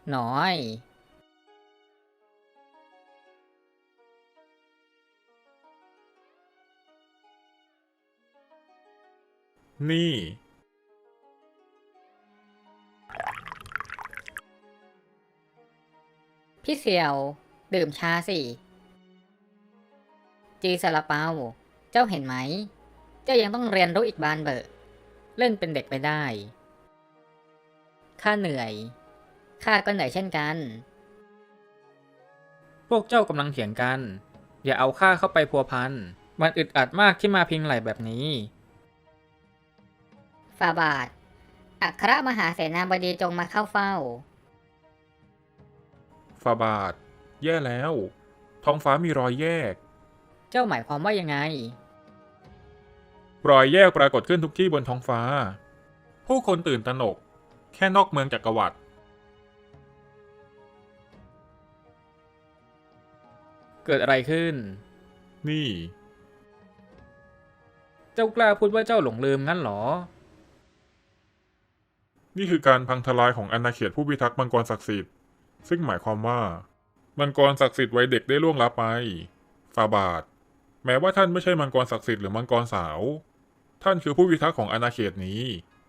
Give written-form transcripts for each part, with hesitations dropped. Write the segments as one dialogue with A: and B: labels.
A: น้อย
B: นี่
A: พี่เสี่ยว ดื่มชาสิ จีซาลาเปา เจ้าเห็นไหม เจ้ายังต้องเรียนรู้อีกบานเบอะเล่นเป็นเด็กไปได้ ข้าเหนื่อย ข้าก็เหนื่อยเช่นกัน
C: พวกเจ้ากำลังเถียงกัน อย่าเอาข้าเข้าไปพัวพัน มันอึดอัดมากที่มาพิงไหลแบบนี้
A: ฝ่าบาท อัครมหาเสนาบดีจงมาเข้าเฝ้า
B: ฟาบาท แย่แล้ว ท้องฟ้ามีรอยแยก
A: เจ้าหมายความว่ายังไง
B: รอยแยกปรากฏขึ้นทุกที่บนท้องฟ้า ผู้คนตื่นตระหนก แค่นอกเมืองจักรวรรดิ
C: เกิดอะไรขึ้น
B: นี่
C: เจ้ากล้าพูดว่าเจ้าหลงลืมงั้นเหรอ
B: นี่คือการพังทลายของอาณาเขตผู้พิทักษ์มังกรศักดิ์สิทธิ์ ซึ่งหมายความว่า มังกรศักดิ์สิทธิ์วัยเด็กได้ล่วงลับไป ฟาบาท แม้ว่าท่านไม่ใช่มังกรศักดิ์สิทธิ์หรือมังกรสาว ท่านคือผู้พิทักษ์ของอาณาเขตนี้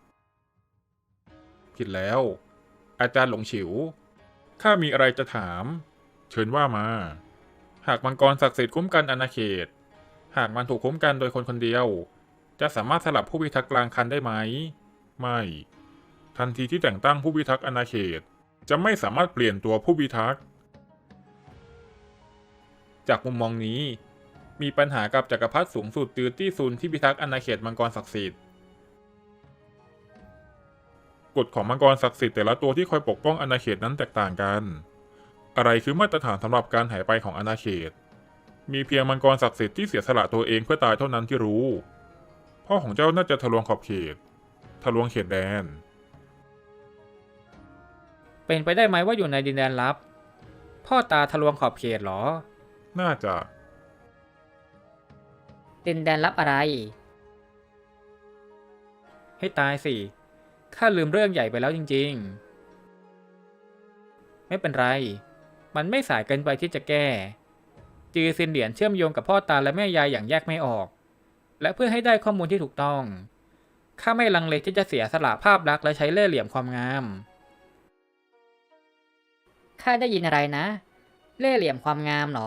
B: ผิดแล้ว อาจารย์หลงฉิว ข้ามีอะไรจะถาม เชิญว่ามา หากมังกรศักดิ์สิทธิ์คุ้มกันอาณาเขต หากมันถูกคุ้มกันโดยคนคนเดียว จะสามารถสลับผู้พิทักษ์กลางคันได้ไหม ไม่ ทันทีที่แต่งตั้งผู้พิทักษ์อาณาเขต จะไม่สามารถเปลี่ยนตัวผู้พิทักษ์ จากมุมมองนี้ มีปัญหากับจักรพรรดิสูงสุดตือตี้ซุนที่พิทักษ์อาณาเขตมังกรศักดิ์สิทธิ์ กฎของมังกรศักดิ์สิทธิ์แต่ละตัวที่คอยปกป้องอาณาเขตนั้นแตกต่างกัน อะไรคือมาตรฐานสำหรับการหายไปของอาณาเขต มีเพียงมังกรศักดิ์สิทธิ์ที่เสียสละตัวเองเพื่อตายเท่านั้นที่รู้ พ่อของเจ้าน่าจะทะลวงขอบเขต ทะลวงเขตแดน
C: เป็นไปได้ไหมว่าอยู่ในดินแดนลับ พ่อตาทะลวงขอบเขตเหรอ
B: น่าจะ
A: ดินแดนลับอะไร
C: ให้ตายสิ ข้าลืมเรื่องใหญ่ไปแล้วจริงๆ ไม่เป็นไร มันไม่สายเกินไปที่จะแก้ จือซินเหรียญเชื่อมโยงกับพ่อตาและแม่ยายอย่างแยกไม่ออก และเพื่อให้ได้ข้อมูลที่ถูกต้อง ข้าไม่ลังเลที่จะเสียสละภาพลักษณ์และใช้เล่ห์เหลี่ยมความงาม
A: ข้าได้ยินอะไรนะ เล่ห์เหลี่ยมความงามเหรอ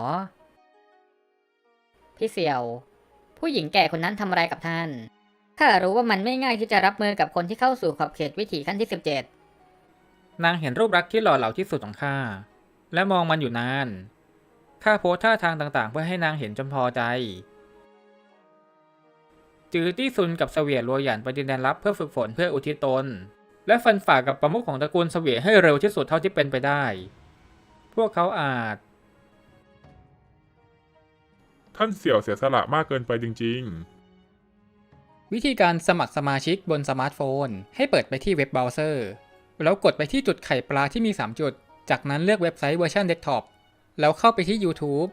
A: พี่เสี่ยว ผู้หญิงแก่คนนั้นทำอะไรกับท่าน ข้ารู้ว่ามันไม่ง่ายที่จะรับมือกับคนที่เข้าสู่ขอบเขตวิถีขั้นที่ 17
C: นางเห็นรูปลักษณ์ที่หล่อเหลาที่สุดของข้า และมองมันอยู่นาน ข้าโพสท่าทางต่างๆ เพื่อให้นางเห็นจนพอใจ จือตี้ซุนกับเสวียรัวหยันไปดินแดนลับเพื่อฝึกฝนเพื่ออุทิศตน และฟันฝ่ากับประมุขของตระกูลเสวียให้เร็วที่สุดเท่าที่เป็นไปได้ พวกเขาอาจ
B: ท่านเสี่ยวเสียสละมากเกินไปจริง
C: วิธีการสมัครสมาชิกบนสมาร์ทโฟนให้เปิดไปที่เว็บเบราว์เซอร์แล้วกดไปที่จุดไข่ปลาที่มี 3 จุด จากนั้นเลือกเว็บไซต์เวอร์ชันเดสก์ท็อปแล้วเข้าไปที่ YouTube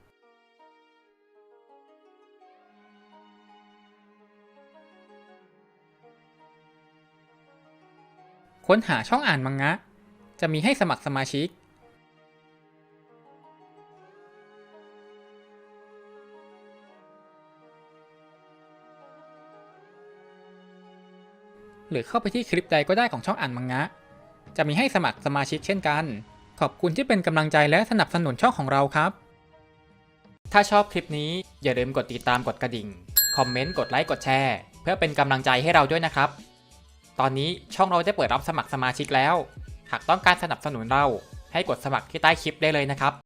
C: ค้นหาช่องอ่านมังงะ จะมีให้สมัครสมาชิก หรือเข้าไปที่คลิปใดก็ได้ของช่องอ่านมังงะ จะมีให้สมัครสมาชิกเช่นกัน ขอบคุณที่เป็นกำลังใจและสนับสนุนช่องของเราครับ ถ้าชอบคลิปนี้อย่าลืมกดติดตามกดกระดิ่ง คอมเมนต์ กดไลค์ กดแชร์ เพื่อเป็นกำลังใจให้เราด้วยนะครับ ตอนนี้ช่องเราได้เปิดรับสมัครสมาชิกแล้ว หากต้องการสนับสนุนเราให้กดสมัครที่ใต้คลิปได้เลยนะครับ